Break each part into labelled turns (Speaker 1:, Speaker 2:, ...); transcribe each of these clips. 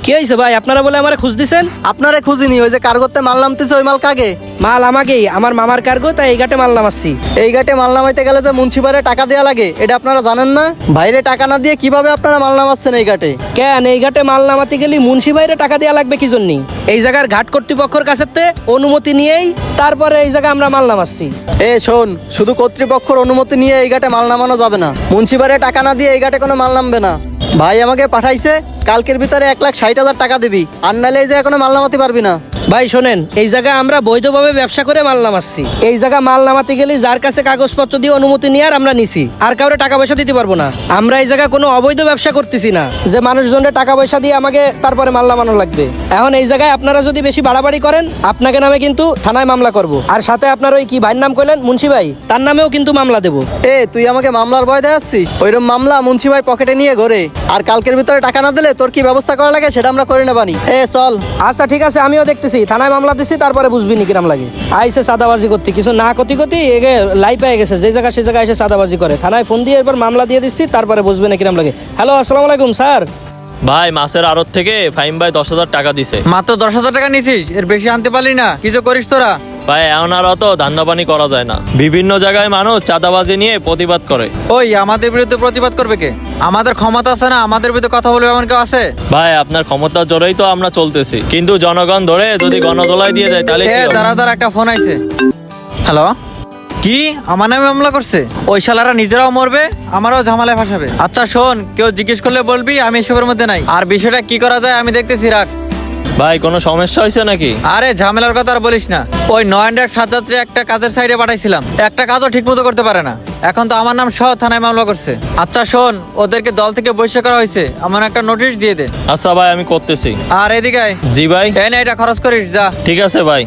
Speaker 1: কি হয়েছে ভাই, আপনারা বলে আমারে খুঁজ দিছেন?
Speaker 2: আপনারে খুঁজিনি, ওই যে কার্গোতে মাল নামতেছে ওই মাল কাগে?
Speaker 1: মাল আমাকেই, আমার মামার কার্গো, তাই এই ঘাটে মাল নামাচ্ছি।
Speaker 2: এই ঘাটে মাল নামাইতে গেলে যে মুন্সিপারে টাকা দেওয়া লাগে, এটা আপনারা জানেন না? বাইরে টাকা না দিয়ে কিভাবে আপনারা মাল নামাচ্ছেন এই ঘাটে?
Speaker 1: কেন এই ঘাটে মাল নামাতে গেলে মুন্সি ভাইরে টাকা দেওয়া লাগবে কি জন্য? এই জায়গার ঘাট কর্তৃপক্ষের কাছে অনুমতি নিয়েই তারপরে এই জায়গায় আমরা মাল নামাচ্ছি।
Speaker 2: শোন, শুধু কর্তৃপক্ষের অনুমতি নিয়ে এই ঘাটে মাল নামানো যাবে না। মুন্সিপারে টাকা না দিয়ে এই ঘাটে কোনো মাল নামবে না। ভাই আমাকে পাঠাইছে কালকের ভিতরে 1,60,000 টাকা দিবি, আর নাহলে এই জায়গায় কোনো মাল নামাতে পারবি না।
Speaker 1: ভাই শোনেন, এই জায়গায় আমরা বৈধভাবে ব্যবসা করে মাল নামাচ্ছি। এই জায়গা মাল নামাতে গেলে যার কাছে কাগজপত্র দিয়ে অনুমতি নিয়ে আর আমরা নিছি, আর কাউরে টাকা পয়সা দিতে পারবো না। আমরা এই জায়গায় কোনো অবৈধ ব্যবসা করতেছি না যে মানুষজনের টাকা পয়সা দিয়ে আমাকে তারপরে মাল নামানো লাগবে। এখন এই জায়গায় আপনারা যদি বেশি বাড়াবাড়ি করেন, আপনাকে নামে কিন্তু থানায় মামলা করব, আর সাথে আপনার ওই কি ভাইয়ের নাম কইলেন, মুন্সি ভাই, তার নামেও কিন্তু মামলা দেবো।
Speaker 2: তুই আমাকে মামলার ভয় দেখাচ্ছিস? ওইরকম মামলা মুন্সি ভাই পকেটে নিয়ে ঘোরে, আর কালকের ভিতরে টাকা না দিলে তোর কি ব্যবস্থা করা লাগে সেটা আমরা করে নেবানি। চল।
Speaker 1: আচ্ছা ঠিক আছে, আমিও দেখতেছি, থানায় মামলা দিচ্ছি, তারপরে বুঝবি নি কিরাম লাগে। আইসে সাদাবাজি করতে, কিছু না কতি এগে লাই পেয়ে গেছে, যে জায়গা সে জায়গায় এসে সাদাবাজি করে। থানায় ফোন দিয়ে এবার মামলা দিয়ে দিচ্ছি, তারপরে বুঝবে না কিরাম লাগে। হ্যালো, আসসালামু আলাইকুম স্যার।
Speaker 3: ভাই মাছের আড়ত থেকে ফাহিম ভাই 10,000 টাকা দিছে।
Speaker 4: মাত্র 10,000 টাকা নিছিস? এর বেশি আনতে পারলি না? কি যে করিস তোরা?
Speaker 3: ভাই এখন আর অত ধান্দাপানি করা যায় না। বিভিন্ন জায়গায় মানুষ চাঁদাবাজি নিয়ে প্রতিবাদ করে।
Speaker 4: ওই আমাদের বিরুদ্ধে প্রতিবাদ করবে কে? আমাদের ক্ষমতা আছে না আমাদের বিরুদ্ধে কথা বলবে এমন কেউ আছে?
Speaker 3: ভাই আপনার ক্ষমতার জোরেই তো আমরা চলতেছি, কিন্তু জনগণ ধরে যদি গণদোলায় দিয়ে দেয় তাহলে কি হবে?
Speaker 4: দাঁড়া একটা ফোন আইছে। হ্যালো, কি আমার নামে মামলা করছে? ওই শালারা নিজেরাও মরবে, আমারও ঝামেলায় ফাঁসাবে। আচ্ছা শোন, কেউ জিজ্ঞেস করলে বলবি আমি এসবের মধ্যে নাই। আর বিষয়টা কি করা যায় আমি দেখতেছি, রাখ।
Speaker 3: ভাই কোনো সমস্যা হয়েছে নাকি?
Speaker 4: আরে ঝামেলার কথা আর বলিস না। ওই 9-7 একটা কাজের সাইডে পাঠাইছিলাম, একটা কাজও ঠিক মতো করতে পারে না। এখন তো আমার নাম সহ থানায় মামলা করছে। আচ্ছা শোন, ওদেরকে দল থেকে বহিষ্কার করা হয়েছে, আমার একটা নোটিশ দিয়ে দে।
Speaker 3: আচ্ছা ভাই আমি করতেছি।
Speaker 4: আর এদিকে আয়।
Speaker 3: জি ভাই।
Speaker 4: এই না, এটা খরচ করিস যা।
Speaker 3: ঠিক আছে ভাই।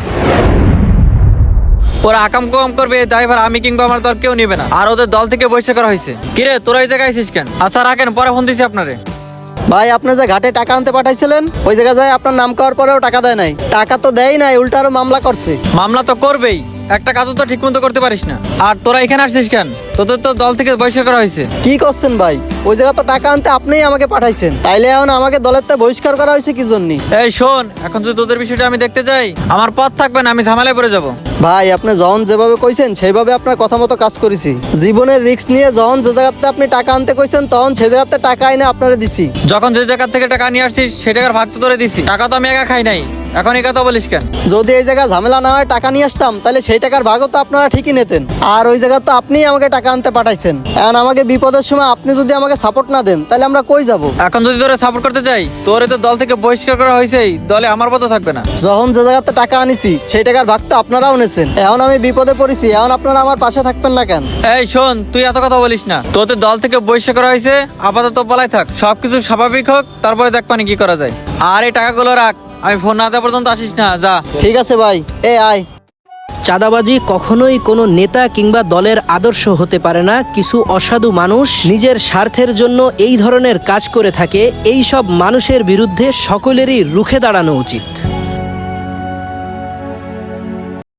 Speaker 4: ওরা আকাম কম করবে, ড্রাইভার আমি কিংবা আমার দল কেউ নিবে না। আর ওদের দল থেকে বহিষ্কার করা হয়েছে। কিরে তোরা এই জায়গায় আইছিস কেন? আচ্ছা রাখেন, পরে ফোন দিছি আপনারে।
Speaker 2: ভাই আপনি যে ঘাটে টাকা আনতে পাঠাইছিলেন, ওই জায়গায় যায় আপনার নাম করার পরেও টাকা দেয় নাই। টাকা তো দেয় নাই, উল্টা আরো মামলা করছে।
Speaker 4: মামলা তো করবেই, একটা কাজও তো ঠিক মতো করতে পারিস না। আর তোরা এখানে আসছিস কেন? তোদের তো দল থেকে বহিষ্কার করা হয়েছে।
Speaker 2: কি করছেন ভাই? ওই জায়গা তো টাকা আনতে আপনিই আমাকে পাঠাইছেন, তাইলে এখন আমাকে দলের থেকে বহিষ্কার করা হয়েছে কি জন্য?
Speaker 4: এই শোন, এখন যদি তোদের বিষয়টা আমি দেখতে যাই, আমার পথ থাকবে না, আমি ঝামেলায় পড়ে যাব।
Speaker 2: ভাই আপনি যখন যেভাবে কইছেন সেইভাবে আপনার কথা মতো কাজ করেছি। জীবনের রিস্ক নিয়ে যখন যে জায়গাতে আপনি টাকা আনতে কইছেন, তখন সেই জায়গাতে টাকা এনে আপনারা দিছি।
Speaker 4: যখন যে জায়গা থেকে টাকা নিয়ে আসছিস সেই টাকার ভাগ তো তোরে দিছি। টাকা তো আমি একা খাই নাই, এখন এই কথা বলিস কেন?
Speaker 2: যদি এই জায়গায় ঝামেলা না হয় টাকা নিয়ে আসতাম, তাহলে সেই টাকার ভাগও তো আপনারা ঠিকই নিতেন। আর ওই জায়গা তো আপনিই আমাকে টাকা আনতে পাঠাইছেন। এখন আমাকে বিপদের সময় আপনি যদি আমাকে সাপোর্ট না দেন, তাহলে আমরা কই যাব?
Speaker 4: এখন যদি তোরে সাপোর্ট করতে যাই, তোরে তো দল থেকে বহিষ্কার করা হয়েছেই, দলে আমার পথ থাকবে না।
Speaker 2: যখন যে জায়গাতে টাকা আনিছি সেই টাকার ভাগ তো আপনারাও নিয়েছেন। এখন আমি বিপদে পড়েছি, এখন আপনারা আমার পাশে থাকবেন না কেন?
Speaker 4: এই শোন, তুই এত কথা বলিস না। তোদের দল থেকে বহিষ্কার করা হয়েছে, আপাতত পালাই থাক, সবকিছু স্বাভাবিক হোক, তারপরে দেখ পানি কি করা যায়। আর এই টাকাগুলো রাখ, আমি ফোন না দেওয়া পর্যন্ত আসিস না, যা।
Speaker 2: ঠিক আছে ভাই, আয়।
Speaker 1: চাঁদাবাজি কখনোই কোনো নেতা কিংবা দলের আদর্শ হতে পারে না। কিছু অসাধু মানুষ নিজের স্বার্থের জন্য এই ধরনের কাজ করে থাকে। এই সব মানুষের বিরুদ্ধে সকলেরই রুখে দাঁড়ানো উচিত।